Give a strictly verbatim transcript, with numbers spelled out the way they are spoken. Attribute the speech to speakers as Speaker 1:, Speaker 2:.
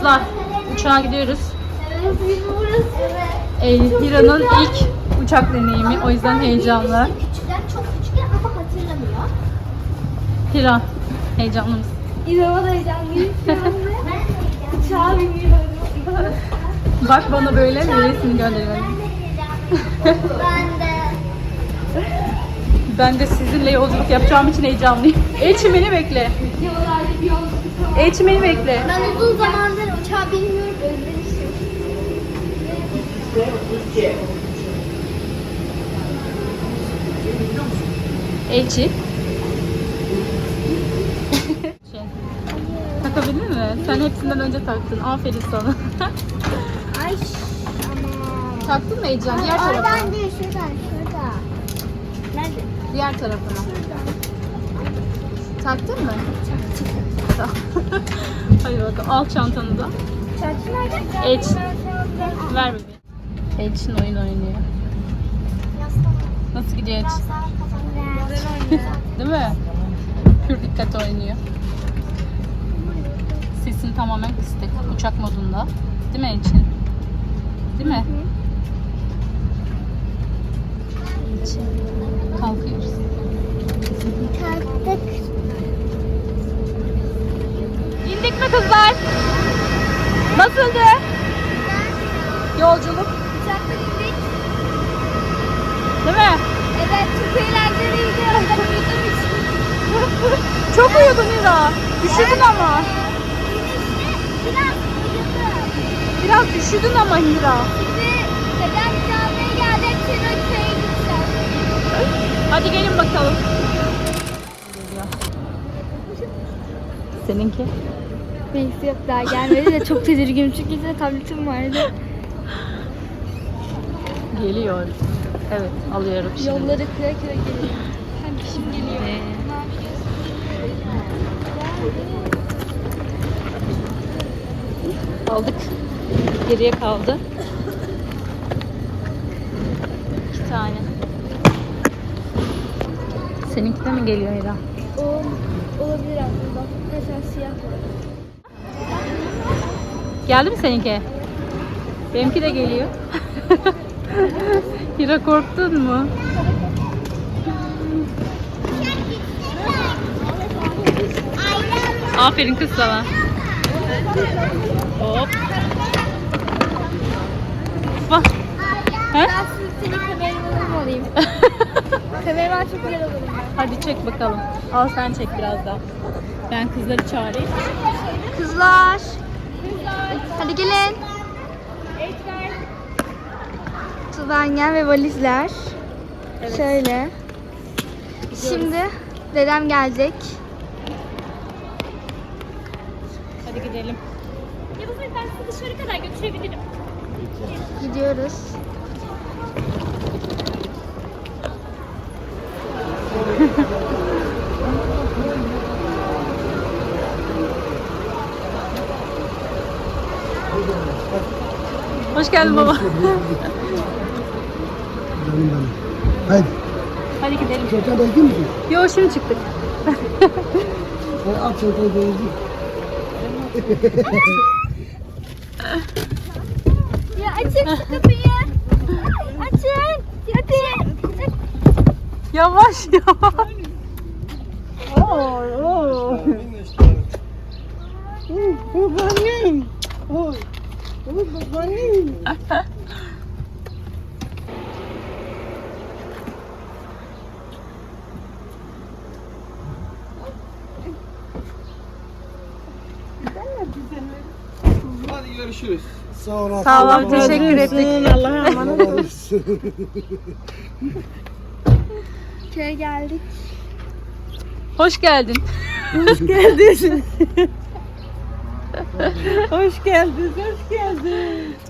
Speaker 1: Kızlar, uçağa gidiyoruz.
Speaker 2: Evet, burası.
Speaker 1: Ee, Hira'nın ilk uçak deneyimi, o yüzden heyecanlı.
Speaker 2: Küçükler, çok küçükler ama hatırlamıyor.
Speaker 1: Hira, heyecanlı mısın?
Speaker 2: İnanılmaz heyecanlıyım şu anda. Uçağa biniyorum.
Speaker 1: Bak bana böyle mi resmini gönderiyorum.
Speaker 2: Ben de.
Speaker 1: Ben de sizinle yolculuk yapacağım için heyecanlıyım. Elçin beni bekle.
Speaker 2: Yollarda bir yolculuk.
Speaker 1: Elçin beni bekle.
Speaker 2: Ben uzun zamandır uçağa binmiyorum, özlemişim.
Speaker 1: Elçi. Şey, takabildin mi? Sen hepsinden önce taktın. Aferin sana.
Speaker 2: Ay ama.
Speaker 1: Taktın mı Ece'm? Diğer tarafına.
Speaker 2: Oradan değil, şuradan, şurada. Nerede?
Speaker 1: Diğer tarafına.
Speaker 2: Şuradan.
Speaker 1: Taktın mı? Tamam. Hadi bakalım. Al çantanı da.
Speaker 2: Çarşı nerede?
Speaker 1: Elç. Ver bebeğim. Elçin oyun oynuyor. Nasıl gidiyor Elçin? Değil mi? Pür dikkat oynuyor. Sesin tamamen kısık. Uçak modunda. Değil mi Elçin? Değil mi? Elçin. Kalkıyoruz.
Speaker 2: Kalktık.
Speaker 1: İndik mi kızlar? Nasıldı? Yolculuk.
Speaker 2: Uçakta indik.
Speaker 1: Değil mi?
Speaker 2: Evet, çok eğlenceliydi. Ben uyuduğum için.
Speaker 1: Çok uyudun Hira. Üşüdün ama.
Speaker 2: İnişte biraz uyudum.
Speaker 1: Biraz üşüdün ama Hira.
Speaker 2: Şimdi dedem camiye geldi. Çırıköy'e gideceğiz.
Speaker 1: Hadi gelin bakalım. Seninki?
Speaker 2: Neyse yok, daha gelmedi de çok tedirginim çünkü size tabletim vardı.
Speaker 1: Geliyor. Evet, alıyorum şimdi.
Speaker 2: Yolları kıra kıra geliyor. Hem kişim geliyor.
Speaker 1: Ee,
Speaker 2: Ne yapıyorsun?
Speaker 1: Aldık. Geriye kaldı. İki tane. Seninki de mi geliyor Hira?
Speaker 2: O olabilir aslında. Mesela siyah var.
Speaker 1: Geldi mi seninki? Benimki de geliyor. Hira korktun mu? Aferin kız sana. Hop. Bak. He?
Speaker 2: Ben siz senin kameramanım olayım. Kameraman çok güzel olurum ben.
Speaker 1: Hadi çek bakalım. Al sen çek biraz daha. Ben kızları çağırayım.
Speaker 2: Kızlar. Hadi gelin. Tuvanyen ve valizler.
Speaker 1: Evet.
Speaker 2: Şöyle. Şimdi dedem gelecek.
Speaker 1: Hadi gidelim.
Speaker 3: Yavuz Bey, ben sizi dışarı kadar götürebilirim.
Speaker 2: Gidiyoruz.
Speaker 1: Hoş geldin baba.
Speaker 4: Canım benim. Haydi.
Speaker 1: Hadi gidelim.
Speaker 4: Çocuklar bekliyor musun?
Speaker 1: Yo şimdi çıktık.
Speaker 4: Hadi at çocukları bekliyor.
Speaker 2: Ya açın şu kapıyı. Açın. Hadi.
Speaker 1: Yavaş yavaş. Oo, oo.
Speaker 4: Babaannem. Oy. Oy babaannem.
Speaker 5: Hadi görüşürüz.
Speaker 4: Sağ ol.
Speaker 1: Sağ ol, teşekkür ettik.
Speaker 4: Allah'a emanet ol.
Speaker 2: Köye geldik.
Speaker 1: Hoş geldin.
Speaker 6: Hoş geldin. Hoş geldin, hoş geldin.